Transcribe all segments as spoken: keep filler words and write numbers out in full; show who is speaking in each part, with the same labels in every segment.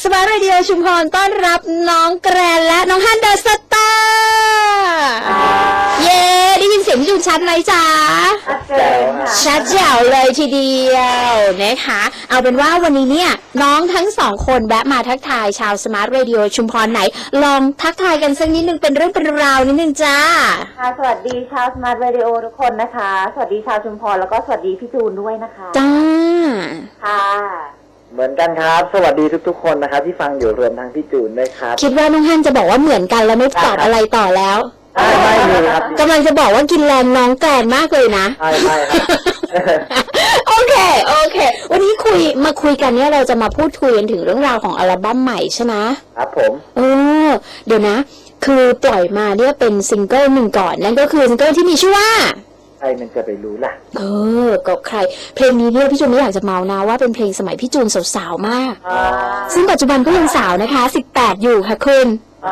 Speaker 1: สมาร์ทเรดิโอชุมพรต้อนรับน้องแกรนและน้องฮันเดอร์สตาร์เย้ได้ยินเสียงพี่จูนชัดไหมจ๊ะ
Speaker 2: ชัดเจนค่ะ
Speaker 1: ชัดแจ๋วเลยทีเดียวนะคะเอาเป็นว่าวันนี้เนี่ยน้องทั้งสองคนแวะมาทักทายชาวสมาร์ทเรดิโอชุมพรไหนลองทักทายกันสักนิดนึงเป็นเรื่องเป็นราวนิดนึงจ้า
Speaker 2: ค่ะสวัสดีชาวสมาร์ทเรดิโอทุกคนนะคะสวัสดีชาวชุมพรแล้วก็สวัสดีพี่จูนด้วยนะคะ
Speaker 1: จ้า
Speaker 2: ค่ะ
Speaker 3: เหมือนกันครับสวัสดีทุกๆคนนะครับที่ฟังอยู่รวมทั้งพี่จูนด้วยครับ
Speaker 1: คิดว่าน้องฮันจะบอกว่าเหมือนกันแล้วไม่ตอบอะไรต่อแล้ว
Speaker 3: ไม่ไม่เลยครับ
Speaker 1: กำลังจะบอกว่ากินแรงน้องแกรนมากเลยนะ
Speaker 3: ใช่ใช่ครับ
Speaker 1: โอเคโอเควันนี้คุยมาคุยกันเนี่ยเราจะมาพูดคุยกันถึงเรื่องราวของอัลบั้มใหม่ใช่ไหม
Speaker 3: ครับผม
Speaker 1: เออเดี๋ยวนะคือปล่อยมาเนี่ยเป็นซิงเกิลหนึ่งก่อนนั่นก็คือซิงเกิลที่มีชื่อว่า
Speaker 3: ใครมันจะไปรู้ล่ะ
Speaker 1: เออก็ใครเพลงนี้เนี่ยพี่จูนไม่อยากจะเมานะว่าเป็นเพลงสมัยพี่จูนสาวๆมากซึ่งปัจจุบันก็ยังสาวนะคะสิบแปดอยู่ค่ะคุณ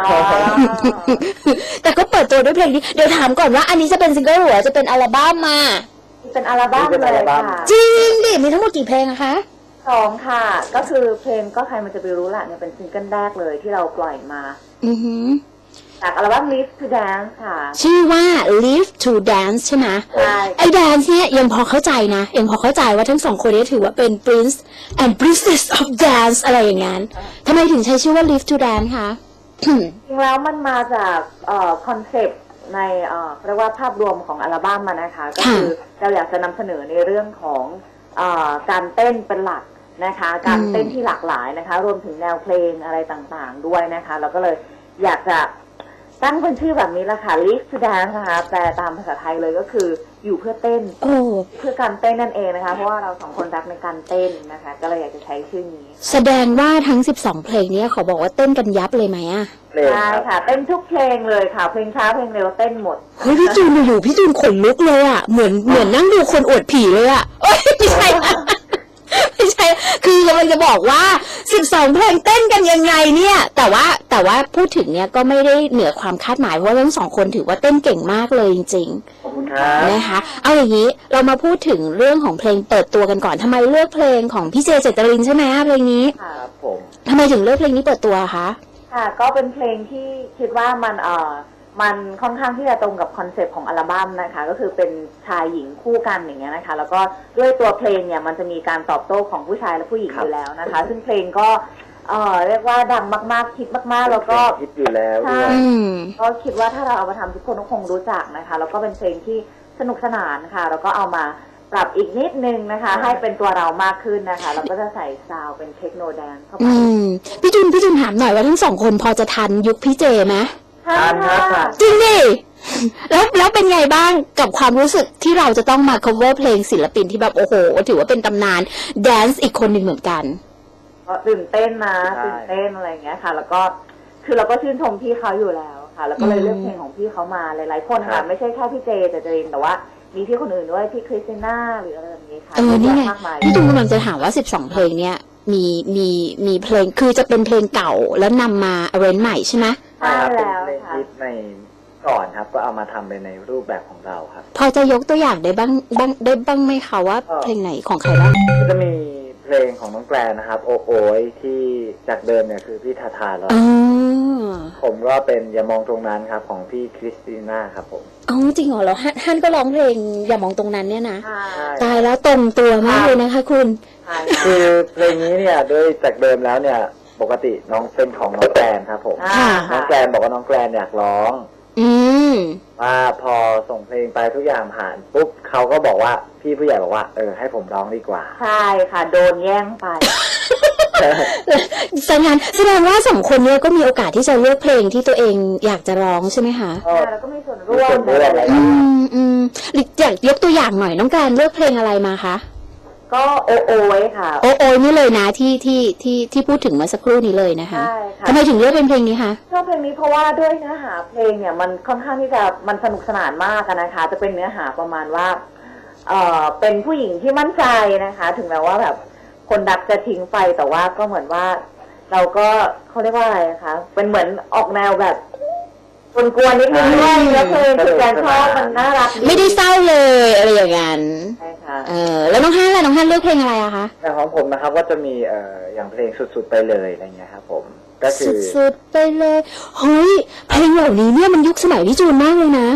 Speaker 1: แต่ก็เปิดตัวด้วยเพลงนี้เดี๋ยวถามก่อนว่าอันนี้จะเป็นซิงเกิลหรือจะเป็นอัลบั้มมา
Speaker 2: เป็นอัลบั้มเลยค่ะ
Speaker 1: จริงดิมีทั้งหมดกี่เพลงอะคะ
Speaker 2: สองค่ะก็คือเพลงก็ใครมันจะไปรู้ล่ะเนี่ยเป็นซิงเกิลแรกเลยที่เราปล่อยมา
Speaker 1: อือหือ
Speaker 2: จากอัลบั้ม Live to Dance ค่ะ
Speaker 1: ชื่อว่า Live to Dance ใช่ไหม
Speaker 2: ใช่
Speaker 1: ไอ้ Dance เนี่ยยังพอเข้าใจนะยังพอเข้าใจว่าทั้งสองคนนี้ถือว่าเป็น Prince and Princess of Dance อะไรอย่างงั้นทำไมถึงใช้ชื่อว่า Live to Dance คะ
Speaker 2: จริงแล้วมันมาจากคอนเซปต์ในเรียกว่าภาพรวมของอัลบั้มมานะคะก็คือเราอยากจะนำเสนอในเรื่องของการเต้นเป็นหลักนะคะการเต้นที่หลากหลายนะคะรวมถึงแนวเพลงอะไรต่างๆด้วยนะคะเราก็เลยอยากจะตั้งเป็นชื่อแบบนี้ละค่ะ Live to Dance นะคะแปลตามภาษาไทยเลยก็คืออยู่เพื่อเต้นเพื่อการเต้นนั่นเองนะคะเพราะว่าเราสองคนรักในการเต้นนะคะก็เลยอยากจะใช้ชื่อนี้
Speaker 1: แสดงว่าทั้งสิบสองเพลงนี้เขาบอกว่าเต้นกันยับเลยไหมอ่ะ
Speaker 2: ใช่ค่ะเต้นทุกเพลงเลยค่ะเพลงช้าเพลงเร็วเต้นหมด
Speaker 1: เฮ้ยพี่จูนอยู่พี่จูนขนลุกเลยอ่ะเหมือนเหมือนนั่งดูคนอวดผีเลยอ่ะเอ้ยไม่ใช่ไม่ใช่คือกำลังจะบอกว่าสิบสองเพลงเต้นกันยังไงเนี่ยแต่ว่าแต่ว่าพูดถึงเนี่ยก็ไม่ได้เหนือความคาดหมายเพราะว่าทั้งสองคนถือว่าเต้นเก่งมากเลยจริงๆนะคะเอาอย่างนี้เรามาพูดถึงเรื่องของเพลงเปิดตัวกันก่อนทำไมเลือกเพลงของพี่เจเจตรินใช่ไหมเพลงนี้
Speaker 3: ครับผม
Speaker 1: ทำไมถึงเลือกเพลงนี้เปิดตัวคะ
Speaker 2: ค่ะก็เป็นเพลงที่คิดว่ามันเอ่อมันค่อนข้างที่จะตรงกับคอนเซปต์ของอัลบั้มนะคะก็คือเป็นชายหญิงคู่กันอย่างเงี้ยนะคะแล้วก็ด้วยตัวเพลงเนี่ยมันจะมีการตอบโต้ของผู้ชายและผู้หญิงอยู่แล้วนะคะซึ่งเพลงก็เอ่อเรียกว่าดังมากๆฮิตมากๆแล้วก็
Speaker 3: ฮิตอยู่แล้วด้วย
Speaker 2: ก็คิดว่าถ้าเราเอามาทำทุกคนก็คงรู้จักนะคะแล้วก็เป็นเพลงที่สนุกสนานค่ะแล้วก็เอามาปรับอีกนิดนึงนะคะให้เป็นตัวเรามากขึ้นนะคะแล้วก็จะใส่ซาวเป็นเทคโนแดนซ์เข้าไป
Speaker 1: พี่จุนพี่จุนถามหน่อยว่าทั้งสองคนพอจะทันยุคพี่เจไหม
Speaker 3: ทันครับ
Speaker 1: จริงดิแล้วแล้วเป็นไงบ้างกับความรู้สึกที่เราจะต้องมา cover เพลงศิลปินที่แบบโอ้โหถือว่าเป็นตำนานแดนซ์อีกคนหนึ่งเหมือนกัน
Speaker 2: ก็ตื่นเต้นนะตื่นเต้นอะไรอย่างเงี้ยค่ะแล้วก็คือเราก็ชื่นชมพี่เขาอยู่แล้วค่ะแล้วก็เลยเลือกเพลงของพี่เขามาหลายๆคนค่ะไม่ใช่แค่พี่เจแต่เจรินแต่ว่ามีพี่คนอื่นด้วยพี่คริสติน่าหรืออะไรแบบนี้ค่ะ
Speaker 1: เออนี่ไงพี่ตุ้มกำลังจะถามว่าสิบสองเพลงเนี้ยมีมีมีเพลงคือจะเป็นเพลงเก่าแล้วนำมาอาเรนใหม่ใช่ไหม
Speaker 2: ใช่แล้ว
Speaker 3: ค่ะในก่อนครับก็เอามาทำไปในรูปแบบของเราครับ
Speaker 1: พอจะยกตัวอย่างได้บ้างบ้างได้บ้างไหมคะว่าเพลงไหนของใครบ้าง
Speaker 3: จะมีเพลงของน้องแกรนนะครับโอโอยที่จากเดิมเนี่ยคือพี่ทาทาแล้วผมก็เป็นอย่ามองตรงนั้นครับของพี่คริสติน่าครับผม
Speaker 1: อ๋อจริงเหรอแล้วฮั่นก็ร้องเพลงอย่ามองตรงนั้นเนี่ยนะตายแล้วตรงตัวมากเลยนะคะคุณ
Speaker 3: คือเพลงนี้เนี่ยด้วยจากเดิมแล้วเนี่ยปกติน้องเป็นของน้องแกรนครับผมน้องแกรนบอกว่าน้องแกรนอยากร้อง
Speaker 1: อืม
Speaker 3: ว่าพอส่งเพลงไปทุกอย่างผ่านปุ๊บเขาก็บอกว่าพี่ผู้ใหญ่บอกว่าเออให้ผมร้องดีกว่า
Speaker 2: ใช่ค่ะโดนแย่งไป
Speaker 1: แสดงแสดงว่าสองคนนี้ก็มีโอกาสที่จะเลือกเพลงที่ตัวเองอยากจะร้องใช่ไหมคะ
Speaker 2: ใช่แล้วก็มีส่วนร่วม
Speaker 3: อะไร
Speaker 1: อืมอืมอยากยกตัวอย่างหน่อยน้องการเลือกเพลงอะไรมาคะ
Speaker 2: ก็โอโอไว้ค่ะ
Speaker 1: โอโอนี่เลยนะที่ที่ที่ที่พูดถึงเมื่อสักครู่นี้เลยนะคะ
Speaker 2: ใช่ค่ะ
Speaker 1: ทำไมถึงเลือกเป็นเพลงนี้คะ
Speaker 2: ชอบเพลงนี้เพราะว่าด้วยเนื้อหาเพลงเนี่ยมันค่อนข้างที่จะมันสนุกสนานมากนะคะจะเป็นเนื้อหาประมาณว่าเอ่อเป็นผู้หญิงที่มั่นใจนะคะถึงแม้ว่าแบบคนรักจะทิ้งไปแต่ว่าก็เหมือนว่าเราก็เขาเรียกว่าอะไรคะเป็นเหมือนออกแนวแบบกวนๆนิดนึงด้วยแล้วเพลงคือการชอบมันน่ารักดี
Speaker 1: ไม่ได้เศร้าเลยอะไรอย่างนั้น
Speaker 2: ใช่ค่ะ
Speaker 1: เออแล้วน้องฮั่นล่ะน้องฮั่นเลือกเพลงอะไรอะคะ
Speaker 3: ในของผมนะครับก็จะมีเอ่ออย่างเพลงสุดๆไปเลยอะไรเงี้ยครับผมก็คือ
Speaker 1: สุดๆไปเลยเฮ้ยเพลงเหล่านี้เนี่ยมันยุคสมัยพี่จูนมากเลยนะ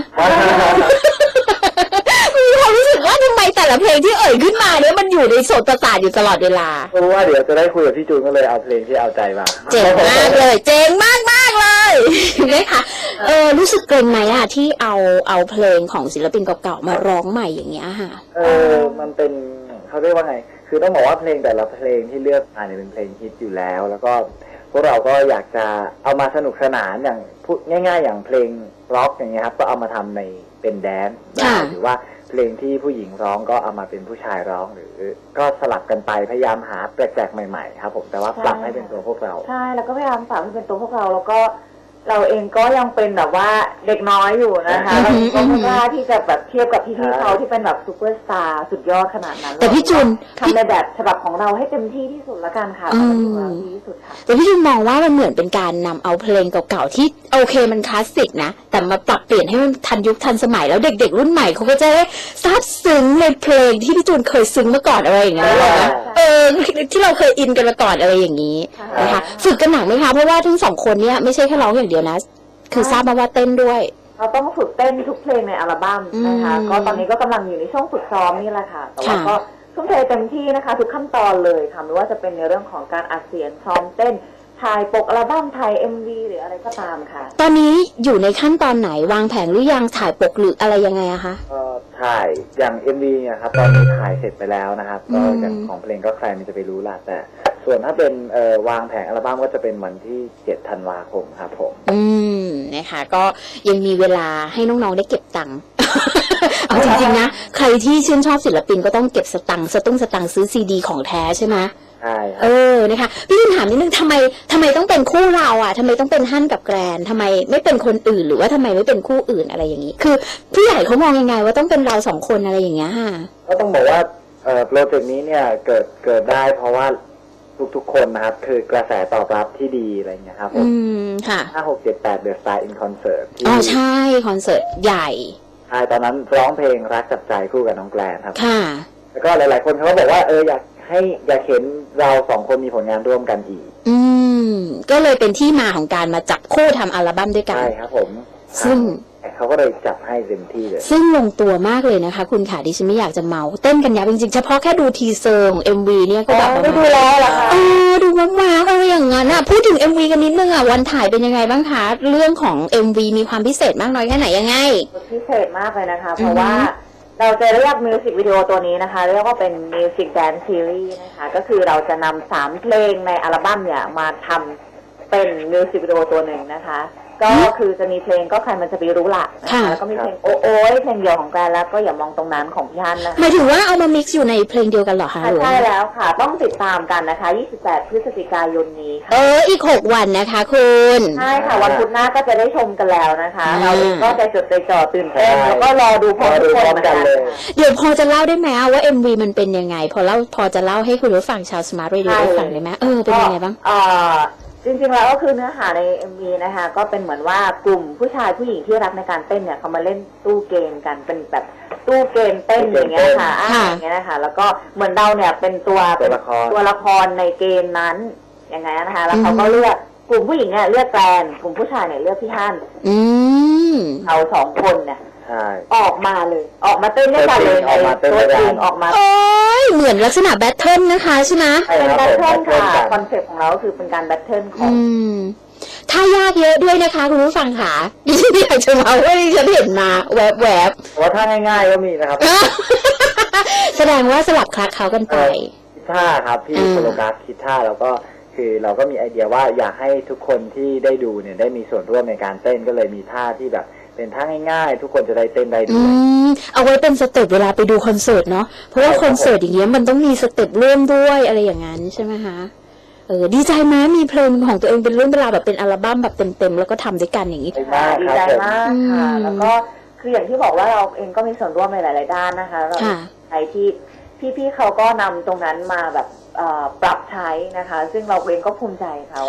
Speaker 1: มีความรู้สึกว่าทำไมแต่ละเพลงที่เอ่ยขึ้นมาเนี่ยมันอยู่ในโสตประสาทอยู่ตลอดเวลา
Speaker 3: รู้ว่าเดี๋ยวจะได้คุยกับพี่จูนก็เลยเอาเพลงที่เอาใจมา
Speaker 1: เจ๋งมากเลย เจ๋งมากมากๆเลยนะคะเออรู้สึกเกรงไหมอะที่เอาเอาเพลงของศิลปินเก่าๆมาร้องใหม่อย่างเงี้ยค่ะ
Speaker 3: เออมันเป็นเขาเรียกว่าไงคือต้องบอกว่าเพลงแต่ละเพลงที่เลือกมาเนี่ยเป็นเพลงฮิตอยู่แล้ว แล้วก็พวกเราก็อยากจะเอามาสนุกสนานอย่างพูดง่ายๆอย่างเพลงร็อกอย่างเงี้ยครับก็เอามาทำในเป็นแดนซ์ได้หรือว่าเพลงที่ผู้หญิงร้องก็เอามาเป็นผู้ชายร้องหรือก็สลับกันไปพยายามหาแปลกๆใหม่ๆครับผมแต่ว่าปรับให้เป็นตัวพวกเรา
Speaker 2: ใช่แล้วก็พยายามปรับให้เป็นตัวพวกเราแล้วก็เราเองก็ยังเป็นแบบว่าเด็กน้อยอยู่นะคะ
Speaker 1: อื
Speaker 2: เรา
Speaker 1: อหือ
Speaker 2: ก็ไม่กล้าที่จะแบบเทียบกับพี่ๆเขาที่เป็นแบบซูเปอร์สตาร์สุดยอดขนาดนั้น
Speaker 1: แต่พี่จูน
Speaker 2: ทำในแบบฉบับของเราให้เต็มที่ที่สุดละกันค่ะ
Speaker 1: อืม
Speaker 2: ทำให้ของเราดีที่สุดค่ะ
Speaker 1: แต่พี่จูนมองว่ามันเหมือนเป็นการนำเอาเพลงเก่าๆที่โอเคมันคลาสสิกนะแต่มาปรับเปลี่ยนให้มันทันยุคทันสมัยแล้วเด็กๆรุ่นใหม่เขาก็จะได้ซาบซึ้งในเพลงที่พี่จูนเคยซึ้งมาก่อนอะไรอย่างเงี้ย
Speaker 3: ใช่
Speaker 1: หรอเออที่เราเคยอินกันมาก่อนอะไรอย่างนี้นะคะฝึกกันหนักไหมคะเพราะว่าทั้งสองคนเนี้ยไม่ใช่แค่ร้องอย่างเดียวนะคือทราบมาว่าเต้นด้วย
Speaker 2: เราต้องฝึกเต้นทุกเพลงในอัลบั้มนะคะ
Speaker 1: อืม
Speaker 2: ก็ตอนนี้ก็กำลังอยู่ในช่วงฝึกซ้อมนี่แหละค่ะแต่ว่า
Speaker 1: ค่ะ
Speaker 2: ก็ทุ่มเทเต็มที่นะคะ ทุกขั้นตอนเลยค่ะไม่ว่าจะเป็นในเรื่องของการอัดเสียงซ้อมเต้นถ่ายปกอัลบั้มถ่ายเอ็มวีหรืออะไรก็ตามค่ะ
Speaker 1: ตอนนี้อยู่ในขั้นตอนไหนวางแผนหรือยังถ่ายปกหรืออะไรยังไงอะคะ
Speaker 3: ก็ถ่ายอย่าง เอ็ม วี เนี่ยครับตอนนี้ถ่ายเสร็จไปแล้วนะครับก็
Speaker 1: อืม
Speaker 3: อย่างของเพลงก็ใครมันจะไปรู้ล่ะแต่ส่วนถ้าเป็นเอ่อวางแผงอัลบั้มก็จะเป็นวันที่เจ็ดธันวาคมครับผม
Speaker 1: อืมนะคะก็ยังมีเวลาให้น้องๆได้เก็บตังค์ เอาจริงๆนะใครที่ชื่นชอบศิลปินก็ต้องเก็บสตังค์สตุ้งสตังค์ซื้อซีดีของแท้ใช่ไหม
Speaker 3: ใช่ค
Speaker 1: เอ
Speaker 3: รับ
Speaker 1: อนะคะพี่ถามนิดนึงทำไมทำไมต้องเป็นคู่เราอ่ะทำไมต้องเป็นฮั่นกับแกรนทำไมไม่เป็นคนอื่นหรือว่าทำไมไม่เป็นคู่อื่นอะไรอย่างนี้ คือผู้ใหญ่เขามองยังไงว่าต้องเป็นเราสองคนอะไรอย่างเงี้ยค่ะ
Speaker 3: ก็ต้องบอกว่าเอ่อโปรเจกต์นี้เนี่ยเกิดเกิดได้เพราะว่าทุกๆคนนะครับคือกระแสตอบรับที่ดีอะไรเงี้ยครับผ
Speaker 1: อื
Speaker 3: ม
Speaker 1: มค่ะ
Speaker 3: ห้าหกเจ็ดแปดเดอะสตาร์อินคอนเสิร์ตที่
Speaker 1: อ๋อใช่คอนเสิร์ตใหญ่
Speaker 3: ใช่ตอนนั้นร้องเพลงรักจับใจคู่กับน้องแกลนครับ
Speaker 1: ค่ะ
Speaker 3: แล้วก็หลายๆคนเขาก็บอกว่าเอออยากให้อยากเห็นเราสองคนมีผลงานร่วมกันอีก
Speaker 1: อืมก็เลยเป็นที่มาของการมาจับคู่ทำอัลบั้มด้วยกัน
Speaker 3: ใช่ครับผม
Speaker 1: ซึ่ง
Speaker 3: เขาก็เลยจับให้เต็มที่เลย
Speaker 1: ซึ่งลงตัวมากเลยนะคะ คุณขาดิฉันไม่อยากจะเมาเต้นกันยับจริงๆเฉพาะแค่ดูทีเซอร์ของ เอ็ม วี เนี่ยก็แบบ
Speaker 2: ไม่ดูแล้วเหรอคะ
Speaker 1: เออดูมากๆอะไรอย่างนั้นอ่ะพูดถึง เอ็ม วี กันนิดนึงอ่ะวันถ่ายเป็นยังไงบ้างคะเรื่องของ เอ็ม วี มีความพิเศษมากน้อยแค่ไหนยังไง
Speaker 2: พิเศษมากเลยนะคะ เพราะว่าเราจะเรียกมิวสิกวิดีโอตัวนี้นะคะเรียกว่าเป็นมิวสิกแดนซ์ซีรีส์นะคะก็คือเราจะนำสามเพลงในอัลบั้มเนี่ยมาทำเป็นมิวสิกวิดีโอตัวหนึ่งนะคะ ก็คือจะมีเพลงก็ใครมันจะไปรู้ละนะคะ
Speaker 1: ค่ะ
Speaker 2: แล้วก็มีเพลงโอโอ้ยเพลงเดียวของแกรนแล้วก็อย่ามองตรงนั้นของพี่ฮันนะคะ
Speaker 1: หมายถึงว่าเอามา mix อยู่ในเพลงเดียวกันเหรอคะหรือว่า
Speaker 2: ใช่แล้วค่ะ ต้องติดตามกันนะคะ ยี่สิบแปด พฤศจิกายนนี้ค่ะ
Speaker 1: เอออีกหกวันนะคะคุณ
Speaker 2: ใช่ค่ะ วันพุธหน้าก็จะได้ชมกันแล้วนะคะ
Speaker 1: อ่า
Speaker 2: เราเองก็ใจจดใจจ่อตื่นเต้น
Speaker 3: ใช่
Speaker 2: แล้วก็รอดูพร้อมทุกคนเหมือนกัน
Speaker 3: รอดูพร้อมกันเลย
Speaker 1: เดี๋ยวพอจะเล่าได้ไหมว่า เอ็ม วี มันเป็นยังไง พอเล่าพอจะเล่าให้คุณผู้ฟังชาว Smart Radio ได้ฟังได้ไหมเออเป็นยังไงบ้าง
Speaker 2: เอ่อจริงๆแล้วก็คือเนื้อหาใน เอ็ม วี นะคะก็เป็นเหมือนว่ากลุ่มผู้ชายผู้หญิงที่รักในการเต้นเนี่ยเขามาเล่นตู้เกมกันเป็นแบบตู้เกมเต้นอย่างเงี้ยค่ะอ่า
Speaker 1: ค่ะ
Speaker 2: อย่างเงี้ยนะคะแล้วก็เหมือนเราเนี่ยเป็นตัว
Speaker 3: ตัวละคร
Speaker 2: ตัวละครในเกมนั้นอย่างไงนะคะแล้วเขาก็เลือกกลุ่มผู้หญิงเนี่ยเลือกแกรนกลุ่มผู้ชายเนี่ยเลือกพี่ฮั่น
Speaker 1: อืม
Speaker 2: เราสองคนเนี่ย
Speaker 3: ใช่
Speaker 2: ออกมาเลย ออกมาเต้นด้วยกันเลย
Speaker 3: ออกมาเต้น
Speaker 2: ตัว
Speaker 3: ด้วยกัน
Speaker 2: จริงออกมา
Speaker 1: โอ้ยเหมือนลักษณะแบทเทิลนะคะใช่ไหม
Speaker 3: ใช่
Speaker 2: เป็น
Speaker 3: ครับ
Speaker 2: แบท
Speaker 3: ผม
Speaker 2: เทิลค่ะ
Speaker 3: แบทเทิลกัน
Speaker 2: คอนเซ็ปต์ของเราก็คือเป็นการแบทเทิลของ
Speaker 1: อืมถ้ายากเยอะด้วยนะคะคุณผู้ฟังค่ะดิฉันอยากจะมาว่าดิฉันเห็นมาแวบแวบ
Speaker 3: แต่ว่าถ้าง่ายๆก็มีนะครับ
Speaker 1: ๆ แสดงว่าสลับคลักเขากันไป
Speaker 3: คิดท่าครับพี่
Speaker 1: อืม
Speaker 3: โคโลกราฟคิดท่าแล้วก็คือเราก็มีไอเดียว่าอยากให้ทุกคนที่ได้ดูเนี่ยได้มีส่วนร่วมในการเต้นก็เลยมีท่าที่แบบเป็นท่าง่ายๆ ทุกคนจะได้เต้นได้ด้
Speaker 1: อื
Speaker 3: วย
Speaker 1: มเอาไว้เป็นสเต็ปเวลาไปดูคอนเสิร์ตเนาะเพราะว่า
Speaker 3: ใช่ครับ
Speaker 1: คอนเสิร์ตอย่างเงี้ยมันต้องมีสเต็ปร่วมด้วยอะไรอย่างนั้นใช่ไหมคะเออดีใจไหมมีเพลงของตัวเองเป็นเรื่องเป็นราวแบบเป็นอัลบั้มแบบเต็มๆแล้วก็ทำด้วยกันอย่างนี้
Speaker 3: ดีมาก
Speaker 2: ดี
Speaker 3: ครับ
Speaker 2: ใจ
Speaker 3: ผม
Speaker 2: มากค่ะ
Speaker 1: อืม
Speaker 2: แล้วก็คืออย่างที่บอกว่าเราเองก็มีส่วนร่วมในหลาย ๆ ด้านนะคะเรา
Speaker 1: ค่ะ
Speaker 2: ใช้ที่พี่ๆเขาก็นำตรงนั้นมาแบบเอ่อปรับใช้นะคะ ซึ่งเราเองก็ภูมิใจค่ะว่า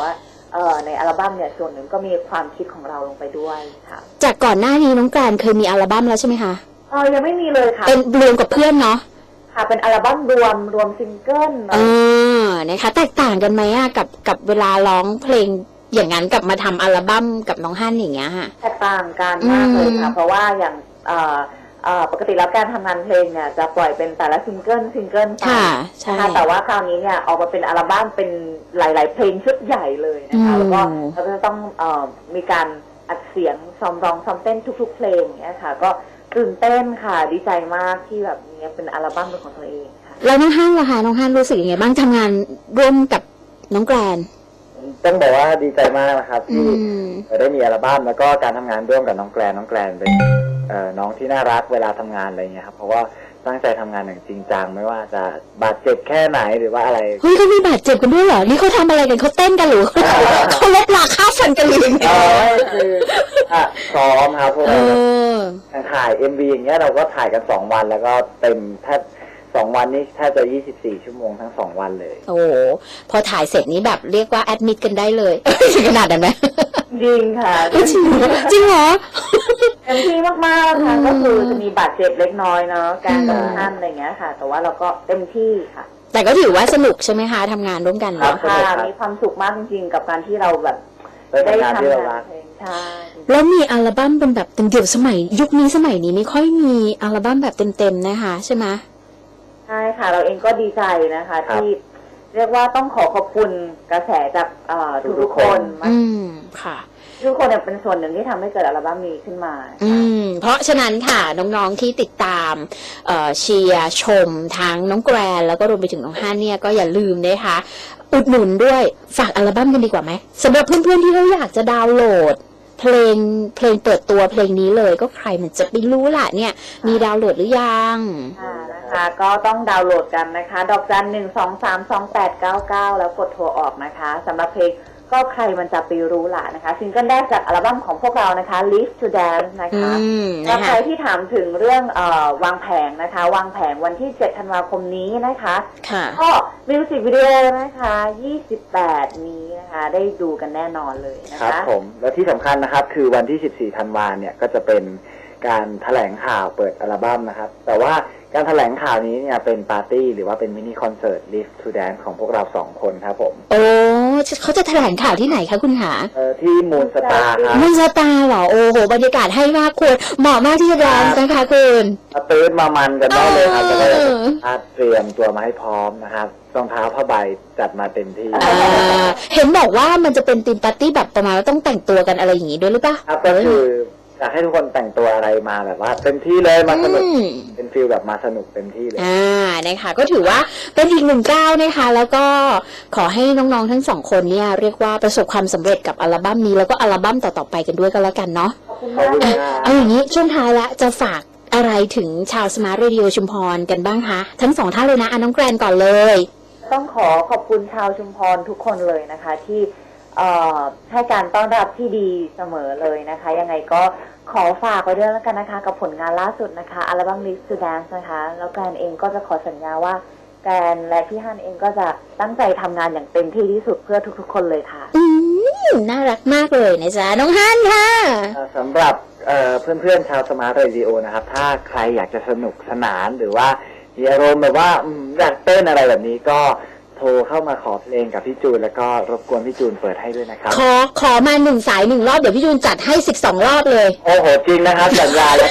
Speaker 2: เอ่อในอัลบั้มเนี่ยส่วนหนึ่งก็มีความคิดของเราลงไปด้วยค่ะ
Speaker 1: จากก่อนหน้านี้น้องแกรนเคยมีอัลบั้มแล้วใช่ไหมคะ
Speaker 2: เออยังไม่มีเลยค่ะ
Speaker 1: เป็นรวมกับเพื่อนเนาะ
Speaker 2: ค่ะเป็นอัลบั้มรวมรวมซิงเกิล
Speaker 1: เออนะคะแตกต่างกันไหมอะกับกับเวลาร้องเพลงอย่างนั้นกับมาทำอัลบั้มกับน้องฮั่นอย่างเงี้ยค่ะ
Speaker 2: แตกต่างกันมากเลยค่ะ
Speaker 1: อืม
Speaker 2: เพราะว่าอย่างเอ่อเอ่อปกติแล้วการทำงานเพลงเนี่ยจะปล่อยเป็นแต่ละซิงเกิลซิงเกิลไป
Speaker 1: ค่ะใช่
Speaker 2: นะคะแต่ว่าคราวนี้เนี่ยออกมาเป็นอัลบั้มเป็นหลาย ๆ เพลงชุดใหญ่เลยนะคะ
Speaker 1: อืม
Speaker 2: แล้วก็เราก็จะต้องเอ่อมีการอัดเสียงซ้อมร้องซ้อมเต้นทุก ๆ เพลงอย่างเงี้ยค่ะ ก็ตื่นเต้นค่ะดีใจมากที่แบบนี้เป็นอัลบั้มเป็นของตัวเองค่ะ
Speaker 1: แล้วน้องฮั่นล่ะคะน้องฮั่นรู้สึกยังไงบ้างทำงานร่วมกับน้องแกรน
Speaker 3: ต้องบอกว่าดีใจมากนะครับ
Speaker 1: อื
Speaker 3: ที่
Speaker 1: ม
Speaker 3: ได้มีอัลบั้มแล้วก็การทำงานร่วมกับน้องแกรนน้องแกรนเป็นเอ่อน้องที่น่ารักเวลาทำงานอะไรเงี้ยครับเพราะว่าตั้งใจทำงานอย่างจริงจังไม่ว่าจะบาดเจ็บแค่ไหนหรือว่าอะไร
Speaker 1: เฮ้ยเขามีบาดเจ็บกันด้วยเหรอนี่เขาทำอะไรกันเขาเต้นกันหรือ เขาลบลาค่าฟันกันหรือยังไง
Speaker 3: เออคืออ่ะซ้อมครับพวก
Speaker 1: เอ
Speaker 3: เรา
Speaker 1: อ
Speaker 3: อย่างถ่าย เอ็ม วี อย่างเงี้ยเราก็ถ่ายกันสองวันแล้วก็เต็มแทบสองวันนี้แทบจะยี่สิบสี่ชั่วโมงทั้งสองวันเลย
Speaker 1: โอ้โหพอถ่ายเสร็จนี้แบบเรียกว่าแอดมิดกันได้เลย ถึงขนาดนั้นไหม
Speaker 2: จริงค่ะ
Speaker 1: จริงจริงเหรอ
Speaker 2: เต็มที่มากๆค่ะ
Speaker 1: อืม
Speaker 2: ก็คือจะมีบาดเจ็บเล็กน้อยเนาะการ
Speaker 1: อืม
Speaker 2: ทำท่านอะไรเงี้ยค่ะ แต่ว่าเราก็เต็มที่ค่ะ
Speaker 1: แต่ก็ถือว่าสนุกใช่ไหมคะทำงานร่วมกัน
Speaker 3: ครั
Speaker 1: เนาะ
Speaker 3: บ
Speaker 2: ค่ะมีความสุขมากจริงๆกับการที่เราแบบ
Speaker 3: ได้ทำงานที่เรารัก
Speaker 2: เพลงใช่
Speaker 1: แล้วมีอัลบั้มเป็นแบบเต็มเดี่ยวสมัย ยุคนี้สมัยนี้ไม่ค่อยมีอัลบั้มแบบเต็มๆนะคะใช่ไหม
Speaker 2: ใช่ค่ะ เราเองก็ดีใจนะคะ
Speaker 3: ครับ
Speaker 2: ที่เรียกว่าต้องขอขอบคุณกระแสจากเอ่อ
Speaker 3: ทุ
Speaker 2: ทุ
Speaker 3: ก
Speaker 2: ก
Speaker 3: ๆ
Speaker 2: ๆ
Speaker 3: ค
Speaker 2: คน น
Speaker 1: อืมค่ะ
Speaker 2: ทุกคนเนี่ยเป็นส่วนหนึ่งที่ทำให้เกิดอัลบั้มนี้ขึ้นมา
Speaker 1: อืมเพราะฉะนั้นค่ะน้องๆที่ติดตามเอ่อเชียร์ชมทั้งน้องแกรนแล้วก็รวมไปถึงน้องฮันเนี่ยก็อย่าลืมนะคะอุดหนุนด้วยฝากอัลบั้มกันดีกว่าไหมสำหรับเพื่อนๆที่เขาอยากจะดาวน์โหลด เพลงเพลงเปิดตัวเพลงนี้เลยก็ใครมันจะไปรู้ล่ะเนี่ยมีดาวน์โหลดหรือยัง
Speaker 2: ค่ะนะคะก็ต้องดาวน์โหลดกันนะคะ ดอกจันหนึ่งสองสามสองแปดเก้าเก้าแล้วกดโทรออกนะคะสำหรับเพลงก็ใครมันจะไปรู้ล่ะนะคะซิงเกิลแรกจากอัลบั้มของพวกเรานะคะ Live to Dance นะ
Speaker 1: อื
Speaker 2: คะ
Speaker 1: ม
Speaker 2: แล้
Speaker 1: นะ
Speaker 2: วใค
Speaker 1: คะ
Speaker 2: รที่ถามถึงเรื่องเออวางแผงนะคะ วางแผงวันที่เจ็ดธันวาคมนี้นะคะ
Speaker 1: ค่ะ
Speaker 2: ก็มิวสิกวิดีโอนะคะยี่สิบแปดนี้นะคะได้ดูกันแน่นอนเลยนะ
Speaker 3: ครั
Speaker 2: คะ
Speaker 3: บผมและที่สำคัญนะครับคือวันที่สิบสี่ธันวาเนี่ยก็จะเป็นการแถลงข่าวเปิดอัลบั้มนะครับแต่ว่าการแถลงข่าวนี้เนี่ยเป็นปาร์ตี้หรือว่าเป็นมินิคอนเสิร์ต Live to Dance ของพวกเราสองคนครับผม
Speaker 1: โอ้เขาจะแถลงข่าวที่ไหนคะคุณหา
Speaker 3: เอ่อที่มูนสตาร์ครับ
Speaker 1: มุนสตาร์เหรอโอ้โหบรรยากาศให้มากคุณเหมาะมากที่จะแดนซ์นะคะคุณ
Speaker 3: มาตื่นมามันกันได้เลยครับ
Speaker 1: เอ
Speaker 3: แล้ว
Speaker 1: อ
Speaker 3: ก็จะเตรียมตัวมาให้พร้อมนะครับรองเท้าผ้าใบจัดมาเต็มที่
Speaker 1: อ่าเห็นบอกว่ามันจะเป็นธีมปาร์ตี้แบบประมาณว่าต้องแต่งตัวกันอะไรอย่างงี้ด้วยหรือเปล่า
Speaker 3: ครับก็คืออยากให้ทุกคนแต่งตัวอะไรมาแบบว่าเต็มที่เลยมาสนุก
Speaker 1: อืม
Speaker 3: เป็นฟิลแบบมาสนุกเต็มที่เลย
Speaker 1: อ่านะคะก็ถือว่าเป็นอีกหนึ่งก้าวนะคะ แล้วก็ขอให้น้องๆทั้งสองคนเนี่ยเรียกว่าประสบความสำเร็จกับอัลบั้มนี้แล้วก็อัลบั้มต่อๆไปกันด้วยก็แล้วกันเนาะ
Speaker 2: ขอบคุณ
Speaker 3: ขอบ
Speaker 2: มาก
Speaker 3: คุณ
Speaker 2: เลย
Speaker 3: มาก
Speaker 1: เอาอย่างนี้ช่วงท้ายละจะฝากอะไรถึงชาวสมาร์ทเรดิโอชุมพรกันบ้างคะทั้งสองท่านเลยนะอ่ะน้องแกรนก่อนเลย
Speaker 2: ต้องขอขอบคุณชาวชุมพรทุกคนเลยนะคะ ที่เอ่อให้การต้อนรับที่ดีเสมอเลยนะคะ ยังไงก็ขอฝากไว้ด้วยแล้วกันนะคะ กับผลงานล่าสุดนะคะอัลบั้ม Live to Dance นะคะแล้วแกรนเองก็จะขอสัญญาว่าแกรนและพี่ฮันเองก็จะตั้งใจทำงานอย่างเต็มที่ที่สุดเพื่อทุกๆ คนเลยค่ะ
Speaker 1: อืมน่ารักมากเลยนะจ๊ะน้องฮันค่ะ
Speaker 3: เอ่อสำหรับเอ่อเพื่อนๆชาวสมาร์ทเรดิโอนะครับถ้าใครอยากจะสนุกสนานหรือว่ามีอารมณ์แบบว่าอืมอยากเต้นอะไรแบบนี้ก็โทรเข้ามาขอเพลงกับพี่จูนแล้วก็รบกวนพี่จูนเปิดให้ด้วยนะครับ
Speaker 1: ขอขอมาหนึ่งสายหนึ่งรอบเดี๋ยวพี่ยูนจัดให้สิบสองรอบเลย
Speaker 3: โอ้โหจริงนะครับสัญญาแล้ว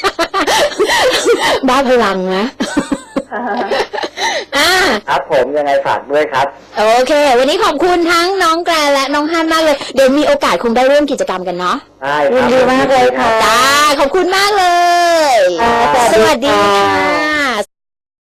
Speaker 1: บ้าพลังนะอ่า
Speaker 3: ครับผมยังไงฝากด้วยครับ
Speaker 1: โอเค วันนี้ขอบคุณทั้งน้องแกรนและน้องฮันมากเลย เดี๋ยวมีโอกาสคงได้ร่วมกิจกรรมกันเนาะ
Speaker 3: ได้ครับ
Speaker 2: ยินดีมากเลยค่ะ
Speaker 1: จ้าขอบคุณมากเลย
Speaker 2: ค่ะ
Speaker 1: สวัสดีค่ะ